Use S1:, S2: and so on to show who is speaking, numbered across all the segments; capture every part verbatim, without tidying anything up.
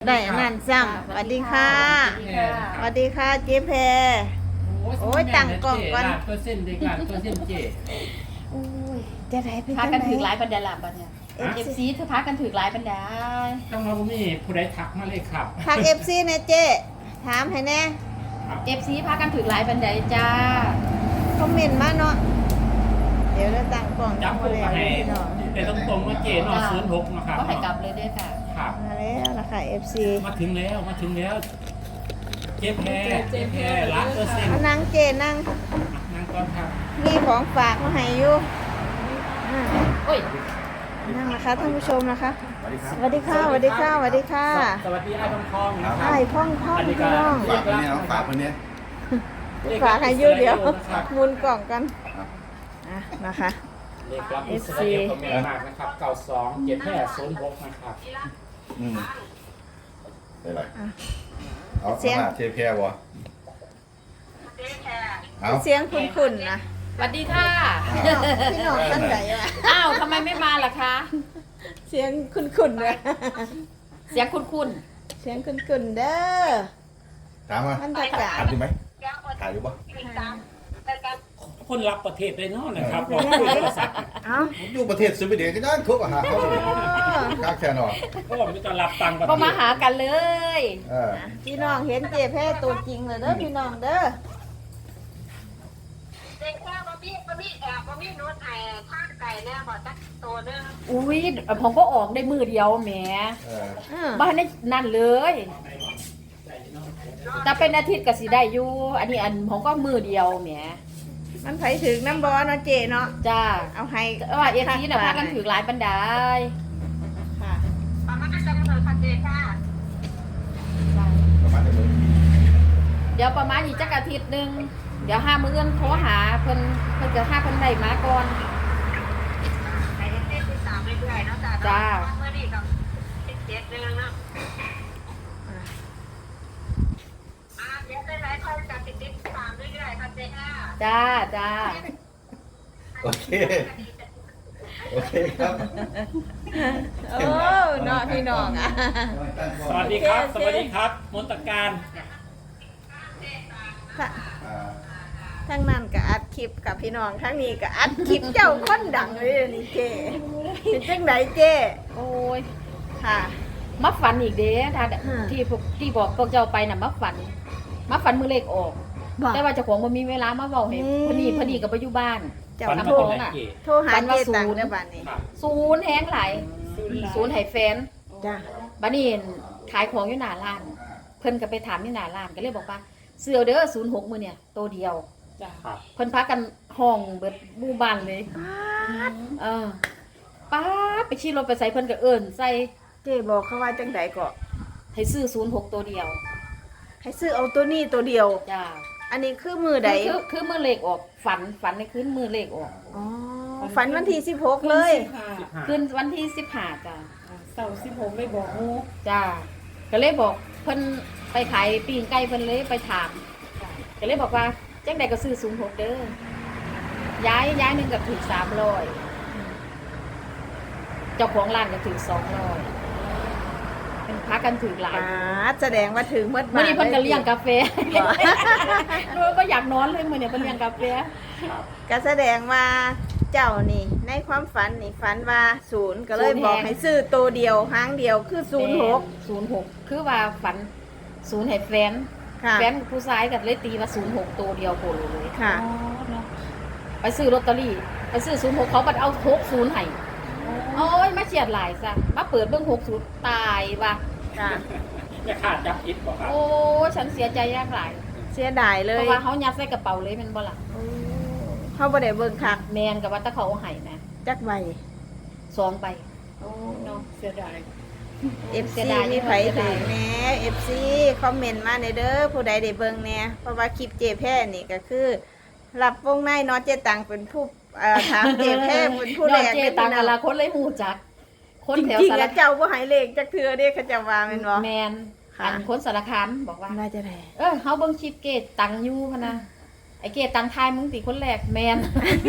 S1: ได้อันนั้นซ้ำสวัสดีค่ะสวัสดีค่ะเจ๊แพรโอ้ยตั้งกล่องก่อน
S2: ตัวเส้นเด็กหลานตัวเส้นเจ
S1: โอ้ยจะได้ไป
S3: พา
S1: จัง
S3: กัน
S1: ไหน
S3: ถือหลายบรรดาลับบัดเนี่ยเอฟซีเธอพากันถือหลายบรรดา
S2: ต้องมาบุมีผู้ใดทักมาเลยครับ
S1: ทักเอฟซีนะเจ๊ถามให้แน่
S3: เอฟซีพากันถือหลายบรรดาจ้า
S1: คอมเมนต์มาเนาะเดี๋ยวเราตั้งกล่อง
S2: จับ
S1: มา
S2: ผู้
S1: แล้ว
S2: ให้
S1: พี่น้อง
S2: แต่ต้องตรงว่าเจนอศูนย์หกนะครับ
S3: ก็ให้กลับเลยด้วยค่ะ
S2: ครับ
S1: มาแล้วนะคะเอฟซี
S2: มาถึงแล้วมาถึงแล้วเจ๊แพรเจ๊แพรล้านเปอร์เซ็นต์
S1: มานั่งเจนั่ง
S2: นั่งก่อนครับ
S1: มีของฝากมาให้อยู่อ่า
S3: โอ้ย
S1: นั่งนะคะท่านผู้ชมนะคะสวัสดีค่ะสวัสดีค่ะสวัสดีค่ะ
S2: สวัสดีไอ้ทองทองนะครับ
S1: ไอ้พ่องพ่อง
S2: อันนี้ก็
S1: พี่น้อง
S4: ฝากคนนี้เนาะฝากคนนี้
S1: ฝากให้อยูเดียวหมุนกล่องกันอ่ะนะคะ
S2: เลขรับอิสราเอลก็แม่มากนะครับเก้าสองเจ็ดแพรศูนย์หกนะครับ
S4: อืมได้ไรเอาขนาดเทแพรวะเอา
S1: เสียงคุ้นๆนะ
S3: สวัสดีค่ะ
S1: พี่น้องพี่น้องท่านไหนวะ
S3: อ้าวทำไมไม่มาล่ะคะ
S1: เสียงคุ้นๆเลย
S3: เสียงคุ้น
S1: เสียงคุ้นๆเด้อ
S4: ถามมา
S1: บรรยากาศ
S4: ถ่ายดูไหมถ่ายดูปะ
S2: คนรับประเทศเลยเนาะนะครับบอกคุยโทรศัพท์
S1: เอ้า
S4: ผมอยู่ประเทศสวีเดนก็ได้ทุกอาหารเขาเลยกล้าแค่นอน
S2: ก็ไม่ต้องรับตังค์ประ
S3: ๆ
S2: เท
S3: ก็
S2: ศ
S3: มาหากันเลย
S4: เออ
S1: พี่น้องเห็นเจ๊แพ้ตัวจริงเลยเด้อพี่น้องเด้อ
S5: เด็กแค่บะมี่บะมี่แอบบะมี่นู้นไอ้ข้างไก่เนี่ยบอกจักตัวนึง
S3: อุ้ยผมก็ออกได้มือเดียวแหม
S4: เออ
S1: อืม
S3: บ้านนี้นั่นเลยแต่เป็นอาทิตย์ก็สิได้อยู่อันนี้อันผมก็มือเดียวแหม
S1: มันไผถึงน้ำบอเนาะเจ๊เนาะ
S3: จ้า
S1: เอาให้
S3: แต่ว่าเอฟซีน่ะพากันถือหลายบรรดา
S1: ค่ะ
S5: ประมาณจะกำหนดคันเดค่ะ
S4: ประมาณจะมึง
S3: เดี๋ยวประมาณอีกจักอาทิตย์หนึงเดี๋ยวห้ามื้อโทรหาเพิ่นเพิ่นจะห้าเพิ่นได้มาก่อน
S5: ไอ้เต้นที่สามเรื่อยๆเนาะจ้า
S3: จ้า
S5: เมื่อนี้กับสิบเจ็ดเดือนเนาะอ่าเดี๋ยวได้หลายคนจากสิบเจ็ดสามเรื่อยๆคันเดค่ะ
S3: จ้าจ้า
S4: โอเคโอเคครับ
S1: โอ้เนาะพี่น้องอ่ะ
S2: สวัสดีครับ
S1: โอ
S2: ส
S1: เค
S2: วัสดีครับ มนตการ
S1: ค่ะ
S4: อ่า
S1: ทั้งนั้นก็อัดคลิปกับพี่น้องทั้งนี้ก็อัดคลิปเจ้าคนดังเลยนี่เจ๊เป็นจังไหนเจ๊
S3: โอ้ย
S1: ค่ะ
S3: มาฝันอีกเด้ถ้า
S1: อืม
S3: ที่พวกที่บอกพวกเจ้าไปน่ะมาฝันมาฝันมือเลขออก
S1: บอก
S3: แต่ว่าเจ้าของบ่มีเวลามาเว้าให้
S1: อืม
S3: พอดีพอดีกับบ่อยู่บ้าน
S1: เจ้า
S2: ฝัน
S1: โทร
S2: มาตรงไหนเจ
S1: โทรหาเจ๊ตังค์ในบ้านนี้
S2: ครับ
S3: ศูนย์แฮงหลายศูนย์ให้แฟน
S1: จ้า
S3: บัดนี้ขายของอยู่หน้าร้าน เพิ่นก็ไปถามอยู่หน้าร้านก็เลยบอกว่าเสื้อเด้อศูนย์หกมื้อเนี่ยตัวเดียว
S2: ครับ
S3: เพิ่นพากันห้องเบิดหมู่บ้านเลย เออป้าดไปขี่รถไปใส่เพิ่นก็เอิ้นใส่
S1: เจ๊บอกเขาว่าจังไดก็
S3: ให้ซื้อศูนย์หกตัวเดียว
S1: ให้ซื้อเอาตัวนี้ตัวเดียว
S3: จ้า
S1: อันนี้คือมือใด
S3: คือคือคือมือเลขออกฝันฝันในคืนมือเลขออก
S1: อ๋อฝันวันที่สิบหกเลย
S2: สิบห้า
S3: คืนวันที่สิบห้าจ้า
S6: เสาร์สิบหกไม่บอกงู
S3: จ้าก็เลยบอกเพิ่นไปขายปีงไก่เพิ่นเลยไปถามก็เลยบอกว่าจังใดก็ซื้อศูนย์หกเด้อย้ายย้ายหนึงก็ถึงสามร้อยเจ้าของร้านก็ถึงสองร้อยเป็นพักกันถึงหลาย
S1: อ่าแสดงว่าถึงเมื่อ
S3: มื่อนี้เพิ่นก็เลี้ยงกาแฟ
S1: บอก
S3: รู้ก็อยากนอนเลยมื้อนี้เพิ่นเลี้ยงกาแฟ
S1: ก็แสดงว่าเจ้านี่ในความฝันนี่ฝันว่าศูนย์ก็เลยบอกให้ซื้อตัวเดียวหางเดียวคือศูนย์หก
S3: ศูนย์หกคือว่าฝันศูนย์ให้แฟน
S1: ค่ะ
S3: แฟนผู้ชายก็เลยตีว่าศูนย์หกตัวเดียวโคโลเลย
S1: ค่ะ
S6: อ๋อเนาะ
S3: ไปซื้อลอตเตอรี่ไปซื้อศูนย์หกเขาบัดเอาหกศูนย์ให้โอ้ยมาเฉียดหลายซะมาเปิดเบิ่งหกศูนย์ตายว่ะ
S1: ค่ะ
S2: จะขาดจับอิดบอกครับ
S3: โอ้ยฉันเสียใจยากหลาย
S1: เสียดายเล
S3: เพ
S1: ย
S3: ราะว่าเขายัดใส่กระเป๋าเลยแมันบ่ล่ะ
S1: โอ้เขาบ่ได้เบิ่งคัก
S3: แมนกับว่าแตะเขาเอาให้นะ
S1: จักใบ
S3: สองใบ
S6: โอ้เนาะเสียดาย
S1: เอฟ
S3: เสี
S1: ซี
S3: ยดาย
S1: มีไผ
S3: เสีย
S1: ถึ
S3: ดาย
S1: งแหน่เอฟซีคอมเมนต์มาในเด้อผู้ใดได้เบิ่งแหน่เพราะว่าคลิปเจแพ้นี่ก็คือ รับวงในเนาะเจตังเป็นผู้เอ่อถามเจแพ้เป็นผู้
S3: ย
S1: แร
S3: อด
S1: ก
S3: เจตังอะละคนเลยหูจัก คน
S1: จ
S3: แถว
S1: ริง
S3: สา
S1: ๆ
S3: ร
S1: แล้วเจ้าบ่ให้เลขจักเทื่อเด้เขาเจะว่าแม่นบ่
S3: แมน
S1: ค่ะ
S3: อันคนสารคามบอกว่า
S1: น่าจะได้
S3: เออเฮาเบิ่งคลิปเกตตังอยู่พะนะไอ้เกตังทายมึงติคนแรกแมน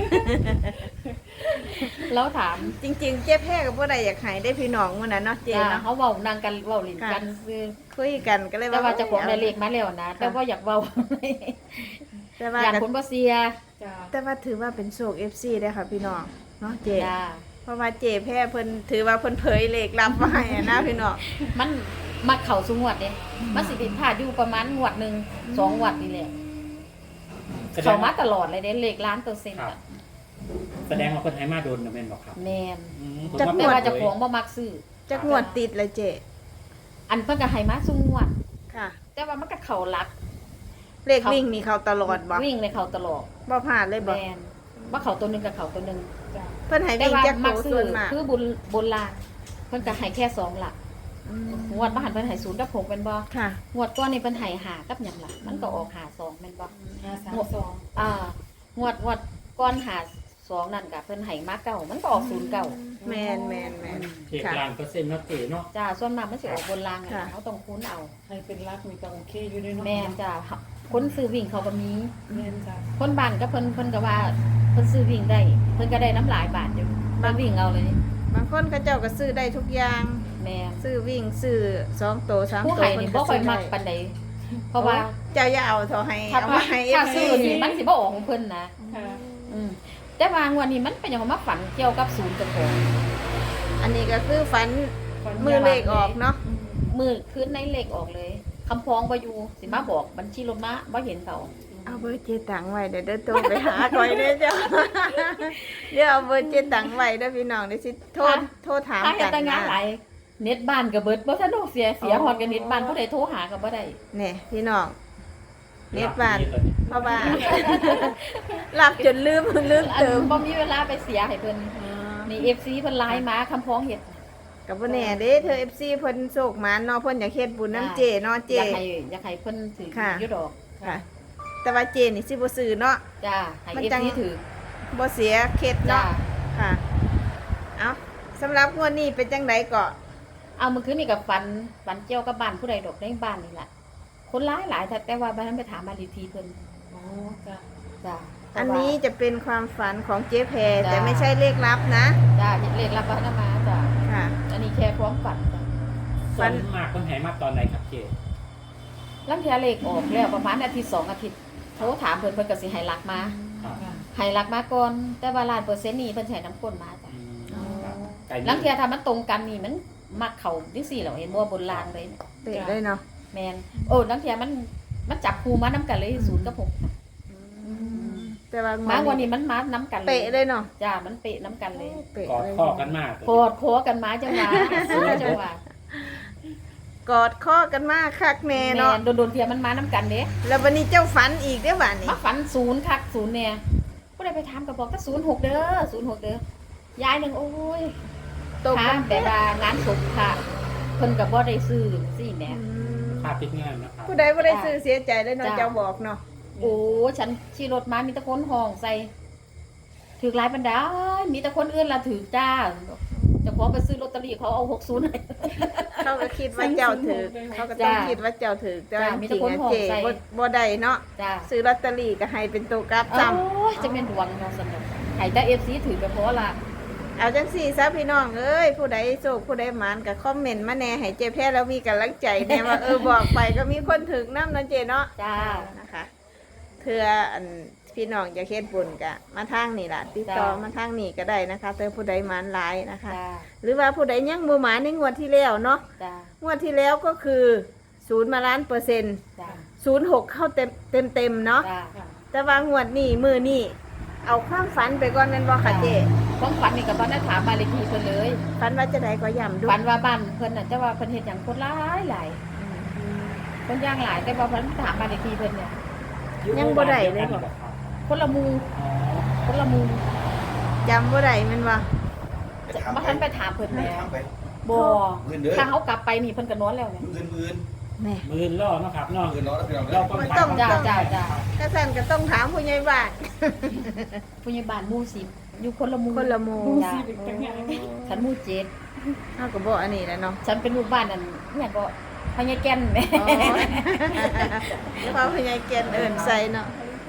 S3: แล้วถาม
S1: จริงๆ เจ๊แพ้กับผู้ใดอยากให้ได้พี่น้องมื้อนั้นเนาะเจ๊
S3: จ้า
S1: เนาะ
S3: เขาเว้านางกันเว้าลิ้นกันซื้อ
S1: คุยกันก็เลย
S3: แต่
S1: ว่า
S3: ว่าเจะของได้เลขมาแล้วนะแต่ว่าอยากเว้า
S1: แต่ว่า
S3: อยาก
S1: ก็
S3: คนบ่เสีย
S6: จ้า
S1: แต่ว่าถือว่าเป็นโชค เอฟ ซี ได้อค่ะพี่น้องเนาะเจ๊
S3: จ้า
S1: เพราะว่าเจ๊แพ้เพิ่นถือว่าเพิ่นเผยเลขลับมาให้อะนะพี่น้อง
S3: มันมาเข้าสู่งวดเด้มันสิผิดพลาดอยู่ประมาณงวดหนึงสองงวดนี่แหละ
S2: แสด
S3: เข้าง มา
S2: ว่า
S3: ตลอดเลยเด้เลขล้านเปอร์เซ็นต์
S2: ครับ
S3: อะ
S2: แสดงว่าคนให้มาโดนนะแม่นบอกครับ
S3: แม่น
S2: อืมผม
S1: จะ
S3: แต่
S2: ว่า
S3: ว่า
S2: เปิด
S3: เจ้า
S2: เผ
S3: ข
S2: ย
S3: องบ่มักซื้อ
S1: จักงวดติดเลยเจ๊
S3: อันเพิ่นก็ให้มาสู่งวด
S1: ค่ะ
S3: แต่ว่ามันก็เข้าหลัก
S1: เลขวิ่งนี่เขาตลอดบ่
S3: วิ่งเลยเข้าตลอด
S1: บ่พลาดเลยบ่
S3: แม่นว่าเข้าตัวหนึงกับเข้าตัวหนึง
S6: จ้า
S1: เพิ่นให้
S3: แต่
S1: วิ่ง
S3: ว่า
S1: จัก
S3: มั
S1: โต
S3: กซื้
S1: ส่
S3: อ
S1: วนมาก
S3: คือบุญบนลางเพิ่นก็ให้แค่สองหลัก
S1: อืม
S3: งวดบ่หันเพิ่นให้ศูนย์กับหกแม่นบ่
S1: ค่ะ
S3: งวดก่อนนี่เพิ่นให้ห้ากับหยังล่ะมันก็ออกห้าสองแม่นบ่
S6: ห้าสามสอง
S3: อ่างวดงวดก่อนห้าสองนั่นก็เพิ่นให้มาเก้ามันก็ออกศูนย์เก้า
S1: แมนแมนแมน
S2: เจ็ด
S1: ค่ะ
S2: ล้านเปอร์เซ็นต์เนาะเก๋เนาะ
S3: จ้าส่วนมากมันสิออกบนรางอะ
S1: ค่ะ
S3: นะเขาต้องคุ้นเอา
S6: ให้เป็นรักมีก็โอเคอยู่ด้วยเนาะ
S3: แม่นจ้าคนซื้อวิ่งเขาก็มี
S6: แม่นจ้า
S3: คนบ้านก็เพิ่นเพิ่นก็ว่าเพิ่นซื้อวิ่งได้ เพิ่นก็ได้น้ำหลายบาทอยู่มาวิ่งเอาเลย
S1: บางคนเขาเจ้าก็ซื้อได้ทุกอย่าง
S3: แม่น
S1: ซื้อวิ่งซื้อสองโตสาม
S3: ผู้
S1: โต
S3: ให้นี่บ่ค่อยมักปานใดเพราะว่า
S1: เจ้าอย่าเอาเท่าให้
S3: ถ้า
S1: เอามาให้เอ
S3: ถ้า
S1: ฟ
S3: ซื้
S1: ซี
S3: อนี่มันสิบ่ออกของเพิ่นนะ
S6: ค่ะ
S3: อืมแต่ว่างวดนี้มันเป็นหยังมาฝันเกี่ยวกับศูนย์เจ้าของ
S1: อันนี้ก็คือฝัน
S6: ฝัน
S1: มือเลขออกเนาะ
S3: มือคืนในเลขออกเลยคำพ้องบ่อยู่สิมาบอกบัญชีรถมาบ่เห็นเขา
S1: เอาเบอร์เจตังไว้เดี๋ยวเดินตัวไปหาคอยเด้อเจ้า เดี๋ยวเอาเบอร์เจตังไว้เด้อพี่น้องเดี๋ยวสิโทษโทษถาม
S3: ถ้าเฮ็
S1: กั
S3: ด
S1: น
S3: แต่งานหลายเน็ตบ้านก็เบิดบ่ทันโดเสียเสียฮอดกับเน็ตบ้านผู้ใดโทรหาก็บ่ได้
S1: เนี่ยพี่น้องเน็ตบ้าน
S2: ตอนนี้
S1: เพราะว่า หลับจนลืมลืม
S3: อัน
S1: เติม
S3: บ่มีเวลาไปเสียให้เพิ่นนี่ เอฟ ซี เพิ่นไลน์มาคำพ้องเฮ็ด
S1: กับบ่แน่เด้เธอ เอฟ ซี เพิ่นโศกหมานเนาะเพิ่นอยากเฮ็ดบุญน้ำเจเนาะเจ
S3: อยากให้อยากให้เพิ่นถือ
S1: ค่ะ
S3: อยู่ดอก
S1: ค่ะ แต่ว่าเจนี่สิบ่ซื้อเนาะ
S3: จ้าให้
S1: มัน
S3: เอฟ
S1: จัง
S3: ซีถือ
S1: บ่เสียเคล็ด
S3: จ้า
S1: เนาะค่ะ เอาสำหรับงวดนี้เป็นจังไดก็
S3: เอาเมื่อคืนนี่ก็ฝันฝันเกี่ยวกับบ้านผู้ใดดอกในบ้านนี่ล่ะคนหลายหลายแต่แต่ว่าบ้านนั้นไปถามบ้านเลขที่เพิ่น
S6: อ๋อจ้า
S3: จ้า
S1: อันนี้จะเป็นความฝันของเจ๊แพร
S3: จ้ะ
S1: แต่ไม่ใช่เลขลับนะ
S3: จ้าเลขรับบ้านมาจ้า
S1: ค่ะ
S3: อันนี้แค่พร้อมฝันจ้า
S2: ส่วนมากคนให้มาตอนไหนครับเก๋
S3: ลังเทียเลขออกแล้วประมาณอาทิตย์สองอาทิตย์โทรถามเพิ่นเพิ่นก็สิให้หลักมา
S2: ครับ
S6: ค่ะ
S3: ให้หลักมาก่อนแต่ว่าล้านเปอร์เซ็นต์นี่เพิ่นสิให้น้ำก้นมาจ้ะ
S2: อืมครับไก่
S3: ลังเทียถ้ามันตรงกันนี่มันมักเข้าจังซี่แหล้วเห็นบ่บนลางเลย
S1: เตะได้เนาะ
S3: แม่นโอ้ลังเทียมันมันจับคู่มานํกันเลยศูนย์กับหก
S1: แต่ว่าง
S3: มาววัน
S1: ดนี้
S3: นี้มันมานํกันเลย
S1: เปะเลยเนาะ
S3: จ้ามันเปะนํกันเลย
S1: เปะ
S2: กอด
S1: เลย
S2: ข้อกันมาก
S3: โคตรโคกันมาจังหวะซื้อจังหวะ
S1: กอดข้อกันมากคักแน่
S3: แม่
S1: เนาะ
S3: นโดนๆเทียมันมานํกันเด้
S1: แล้ววันนี้เจ้าฝันอีกได้อวันนี้
S3: มาฝันศูนย์คักศูนย์เนี่ยบ่ได้ไปถามก็บอกก็ศูนย์หกเด้อศูนย์หกเด้อยายหนึงโอ้ย
S1: ตก
S3: ถามแบบว่างานศพค่ะเพิ่นก็บ่ได้ซื้อสิแหม่
S1: อืม
S2: ภาพติดงานนะครับ
S1: ผู้ใดบ่ได้ซื้อเสียใจเลยเนาะ
S3: จ้ะ
S1: เจ้าบอกเนาะ
S3: โอ้ฉันขี่รถมามีแต่คนห้องใส่ถือหลายบรรดามีแต่คนอื่นล่ะถือจ้าเจะขอไปซื้อลอตเตอรี่เขาเอาหกสิบให้
S1: เขาก็คิดว่าเจ้าถือเขาก็ต้อง
S3: จ้ะ
S1: คิดว่าเจ้าถือแต่ว่า
S3: จ้ะมี
S1: จ
S3: แต่
S1: ริง
S3: คน
S1: ๆอะ
S3: ห่วง
S1: เจ
S3: ใส่
S1: บ่บ่ได้เนาะ
S3: จ้า
S1: ซื้อลอตเตอรี่ก็ให้เป็นตัวกราฟ
S3: โอ้
S1: ซ้ำ
S3: ยจะเป็นดวงเนาะสนุกให้แต่ เอฟ ซี ถือไปเพราะละ
S1: เอาจังสี่ซะพี่น้องเอ้ยผู้ใดโศกผู้ใดหมานก็คอมเมนต์มาแหน่ให้เจ๊แพ้แล้วมีกำลังใจแน่ว่าเออบอกไปก็มีคนถึงน้ำเนาะเจเนาะ
S3: จ้า
S1: นะคะเธออันพี่น้องจะเฮ็ดบุญกะมาทางนี่ล่ะติดต่อ
S3: จ้ะ
S1: มาทางนี่ก็ได้นะคะเธอผู้ใดหมานหลายนะคะ
S3: จ้า
S1: หรือว่าผู้ใดยังบ่หมานในงวดที่แล้วเนาะ
S3: จ้าง
S1: วดที่แล้วก็คือศูนย์มาล้านเปอร์เซ็นต์
S3: จ้า
S1: ศูนย์หกเข้าเต็มเต็มเต็มๆเนาะ
S3: จ้า
S6: ค่ะ
S1: แต่ว่างวดนี้มือนี่เอาความฝันไปก่อนแม่นบ่ค่ะเจ
S3: ความฝันนี่ก็บ่ได้ถามบ้านเลขที่เพิ่นเลย
S1: ฝันว่าจะได้ก็ย่ำดู
S3: ฝันว่าบ้านเพิ่นน่ะแต่ว่าเพิ่นเฮ็ดหยังคนหลายหลายคนย่างหลายแต่ว่าเพิ่นถามบ้านเลขที่เพิ่นเนี่ย
S1: ยังบ่ได้เลยบ่
S3: คนละหมู่
S2: อ๋อ
S3: คนละหมู่
S1: จำบ่ได้แม่นบ่
S4: ไปถาม
S3: บ่
S4: ไป
S3: ทันไปถามเพิ่น
S4: ไป
S3: แหม่
S4: ถามไป
S3: บ่
S4: มื่นเด้อ
S3: ถ้าเขากลับไปนี่เพิ่นก็นอนแล้วเนี่ย
S4: มื่นมื่น
S1: แหม่
S2: มือล่อเนาะครับเนาะ
S4: มื่นน้อยแล้วพี่น้อง
S2: เรา
S4: เด้อ
S2: ต้อง
S1: มัน
S2: ถาม
S1: ต้อง
S3: จ้าจ้าจ้า
S1: ถ้าสั่นก็ต้องถามผู้ใหญ่บ้าน
S3: ผู้ใหญ่บ้านหมู่สิบอยู่คนละหมู่
S1: คนละหมู่
S6: ดู
S3: จ้า
S6: สิเป็นจังไง
S3: ฉันหมู่เจ็ด
S1: เฮาก็บ่อันนี้แหล้วเนาะ
S3: ฉันเป็นลูกบ้านนั่นเนี่ยก็พญาแก่นแหม่
S1: อ๋อแล้วพอผู้ใหญ่เกียนเอิ้นใส่เนาะ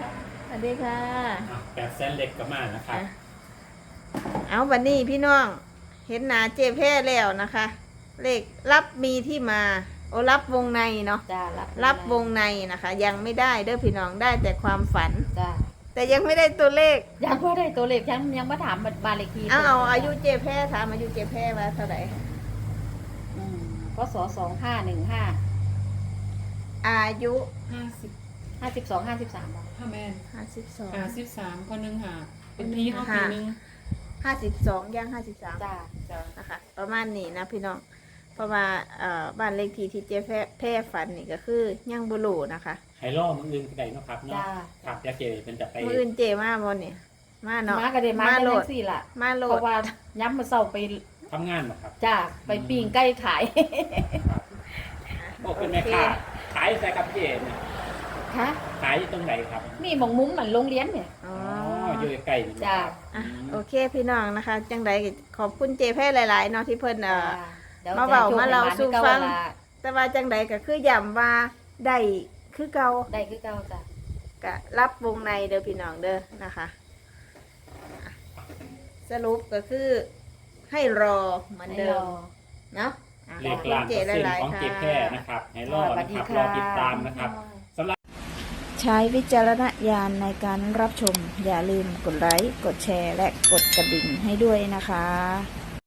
S1: วัสดีค่ะ
S2: แปดแสนเล็กก็มานะครับ
S1: อ่ะเอาวันนี้พี่น้องเห็นหนาเจแพ้แล้วนะคะ เลขรับมีที่มา โอรับวงในเนาะ
S3: จ้ารับ
S1: รับวงในนะคะ ยังไม่ได้เด้อพี่น้องได้แต่ความฝัน
S3: จ้า
S1: แต่ยังไม่ได้ตัวเลข
S3: ยังบ่ได้ตัวเลขยังยังบ่ถามบ้านเลขที่
S1: เอาเอาอายุเจแพ้ถามอายุเจแพ้ว่าเท่าไหร่
S3: อืมก็สสองห้าหนึ่งห้า
S1: อายุ
S6: ห้าสิบ
S3: ห้าสิบสองห้าสิบสามบาท
S6: ห้าแมน
S1: ห้าสิบสอง
S6: ห้าสิบสามคนหนึ่งหาเป็นพี่เขาปีหนึ่ง
S1: ห้าสิบสองย่างห้าสิบสาม
S3: จ้า
S6: จ้ะ
S1: นะคะ ประมาณนี้นะพี่น้องเพราะว่าเอ่อบ้านเลขที่ที่เจแพ้แพ้ฝันนี่ก็คือย่างบุรูนะคะ
S2: ไฮล่อมืออื่นก็ได้เนาะครับเนาะ
S3: จ้า
S2: ครับยาเจเป็นจะไป
S1: มืออื่นเจมาบนเนี่ยมาเนาะ
S3: มาก็ได้มา
S1: มา
S3: ได้
S1: โหล
S3: จั
S1: ด
S3: งซี่ล่ะ
S1: มาโหล
S3: เพ
S1: ด
S3: ราะว่าย้ำมาเศร้าไป
S2: ทำงานบ่ครับ
S3: จ้าไปปิ้งไก่ขาย
S2: ครับบอกเป็นแม่ค้าขายใส่กับเจเนี่ย
S3: ฮะ
S2: ขายอยู่ตรงไหนครับ
S3: นี่หมองมุ้งเหมือนโรงเรียนเนี่ย
S1: อ๋อ
S2: อ๋ออยู่ใกล้ๆนี่
S3: จ้า
S1: อ่ะโอเคพี่น้องนะคะ จังใดก็ขอบคุณเจแพ้หลายๆเนาะที่เพิ่นเอ่อ
S3: ดี๋ยว
S1: มาเว้า
S3: จะโชค
S1: มาเล่า
S3: ให้
S1: สู่
S3: หน
S1: ฟัง
S3: คือเก่าล่ะ
S1: แต่ว่าจังใดก็คือย้ำว่าได้คือเก่า
S3: ได้คือเก่าจ้ะ
S1: ก็รับวงในเด้อพี่น้องเด้อนะคะอ่ะสรุปก็คือให้รอเหมือน
S3: ให้
S1: เดิ
S3: ร
S1: ม
S3: อ
S1: เนาะอ่ะ
S2: เล
S1: ขอ
S2: ข
S1: บคุณ
S2: ล้าน
S1: เจ
S2: เปอร์เซ็น
S1: ห
S2: ต์
S1: ลาย
S2: ของ
S1: ๆ
S2: เจ
S1: ค่ะ
S2: แพ้นะครับไฮล่อ
S3: สวั
S2: นะ
S3: สดี
S2: ครับ
S3: ค่ะ
S2: รอติดตามนะครับ
S1: ใช้วิจารณญาณในการรับชม อย่าลืมกดไลค์ กดแชร์ และกดกระดิ่งให้ด้วยนะคะ